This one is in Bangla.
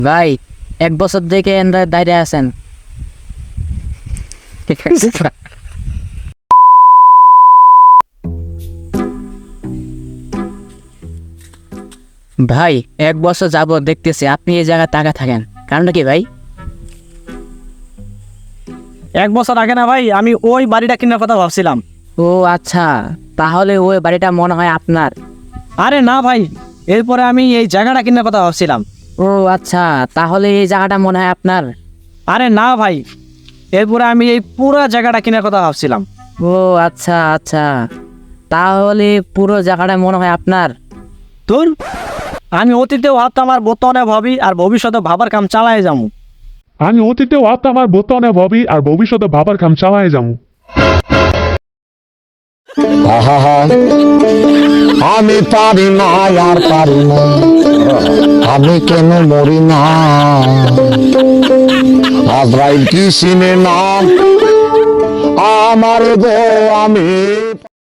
ভাই 1 বছর থেকে এনরা দাঁড়িয়ে আছেন। ভাই 1 বছর যাবত দেখতেছি আপনি এই জায়গায় টাকা থাকেন, কারণটা কি ভাই? 1 বছর আগে না ভাই, আমি ওই বাড়িটা কেনার কথা ভাবছিলাম। ও আচ্ছা, তাহলে ওই বাড়িটা মনে হয় আপনার। আরে না ভাই, এরপরে আমি এই জায়গাটা কেনার কথা ভাবছিলাম। ও আচ্ছা, তাহলে এই জায়গাটা মনে হয় আপনার। আরে না ভাই, এরপরে আমি এই পুরো জায়গাটা কেনার কথা ভাবছিলাম। ও আচ্ছা আচ্ছা, তাহলে পুরো জায়গাটা মনে হয় আপনার। তোর আমি অতীতেও ভাবতাম আর বর্তমানে ভাবি আর ভবিষ্যতে ভাবার কাম চালায় যাবো। আমি অতীতেও ভাবতাম আর বর্তমানে ভাবি আর ভবিষ্যতে ভাবার কাম চালায় যাবো। আহা, আমি পারি না আর পারি না, আমি কেন মরি না, আজরাইল কি চিনে না আমার গো, আমি